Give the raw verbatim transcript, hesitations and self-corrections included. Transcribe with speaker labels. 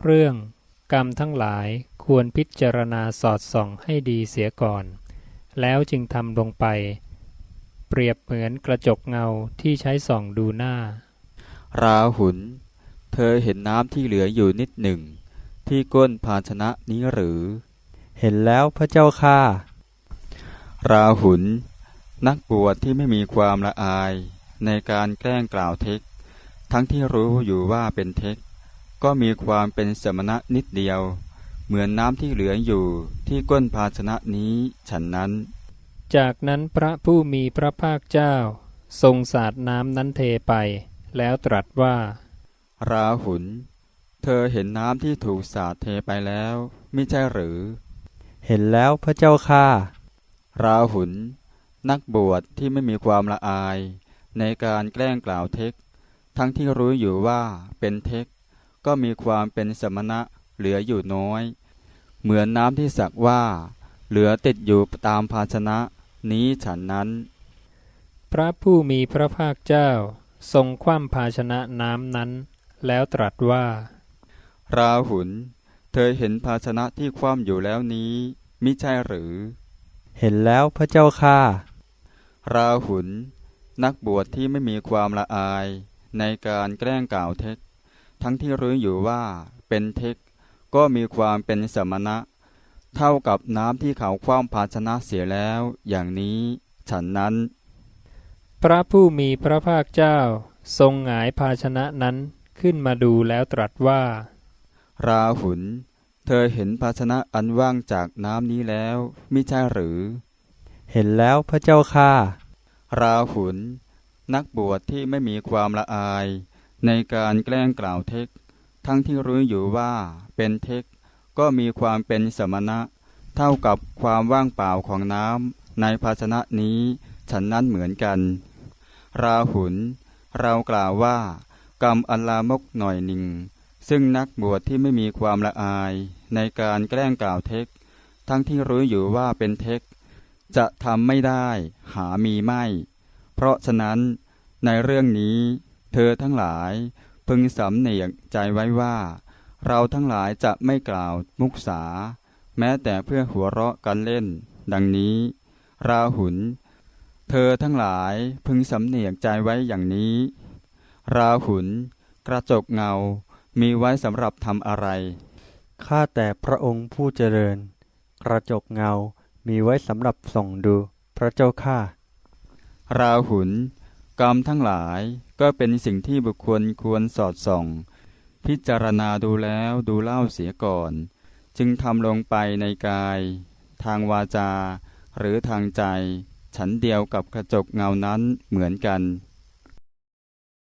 Speaker 1: เรื่องกรรมทั้งหลายควรพิจารณาสอดส่องให้ดีเสียก่อนแล้วจึงทำลงไปเปรียบเหมือนกระจกเงาที่ใช้ส่องดูหน้า
Speaker 2: ราหุลเธอเห็นน้ำที่เหลืออยู่นิดหนึ่งที่ก้นภาชนะนี้หรือ
Speaker 3: เห็นแล้วพระเจ้าข้า
Speaker 2: ราหุลนักบวชที่ไม่มีความละอายในการแกล้งกล่าวเท็จทั้งที่รู้อยู่ว่าเป็นเท็จก็มีความเป็นสมณะนิดเดียวเหมือนน้ำที่เหลืออยู่ที่ก้นภาชนะนี้ฉันนั้น
Speaker 1: จากนั้นพระผู้มีพระภาคเจ้าทรงสาดน้ำนั้นเทไปแล้วตรัสว่า
Speaker 2: ราหุลเธอเห็นน้ำที่ถูกสาดเทไปแล้วมิใช่หรือ
Speaker 3: เห็นแล้วพระเจ้าข้า
Speaker 2: ราหุลนักบวชที่ไม่มีความละอายในการแกล้งกล่าวเท็จทั้งที่รู้อยู่ว่าเป็นเท็จก็มีความเป็นสมณะเหลืออยู่น้อยเหมือนน้ำที่สักว่าเหลือติดอยู่ตามภาชนะนี้ฉันนั้น
Speaker 1: พระผู้มีพระภาคเจ้าทรงคว่ำภาชนะน้ำนั้นแล้วตรัสว่า
Speaker 2: ราหุลเธอเห็นภาชนะที่คว่ำอยู่แล้วนี้มิใช่หรือ
Speaker 3: เห็นแล้วพระเจ้าข้า
Speaker 2: ราหุลนักบวชที่ไม่มีความละอายในการแกล้งกล่าวเท็จทั้งที่รู้อยู่ว่าเป็นเท็จก็มีความเป็นสมณะเท่ากับน้ำที่เขาคว่ำภาชนะเสียแล้วอย่างนี้ฉันนั้น
Speaker 1: พระผู้มีพระภาคเจ้าทรงหงายภาชนะนั้นขึ้นมาดูแล้วตรัสว่า
Speaker 2: ราหุลเธอเห็นภาชนะอันว่างจากน้ำนี้แล้วมิใช่หรือ
Speaker 3: เห็นแล้วพระเจ้าข้า
Speaker 2: ราหุลนักบวชที่ไม่มีความละอายในการแกล้งกล่าวเท็จทั้งที่รู้อยู่ว่าเป็นเท็จก็มีความเป็นสมณะเท่ากับความว่างเปล่าของน้ำในภาชนะนี้ฉันนั้นเหมือนกันราหุลเรากล่าวว่ากรรมอันลามกหน่อยหนึ่งซึ่งนักบวชที่ไม่มีความละอายในการแกล้งกล่าวเท็จทั้งที่รู้อยู่ว่าเป็นเท็จจะทำไม่ได้หามีไม่เพราะฉะนั้นในเรื่องนี้เธอทั้งหลายพึงสำเนียกใจไว้ว่าเราทั้งหลายจะไม่กล่าวมุสาแม้แต่เพื่อหัวเราะกันเล่นดังนี้ราหุลเธอทั้งหลายพึงสำเนียกใจไว้อย่างนี้ราหุลกระจกเงามีไว้สำหรับทำอะไร
Speaker 3: ข้าแต่พระองค์ผู้เจริญกระจกเงามีไว้สำหรับส่องดูพระเจ้าข้า
Speaker 2: ราหุลกรรมทั้งหลายก็เป็นสิ่งที่บุคคลควรสอดส่องพิจารณาดูแล้วดูเล่าเสียก่อนจึงทำลงไปในกายทางวาจาหรือทางใจฉันเดียวกับกระจกเงานั้นเหมือนกัน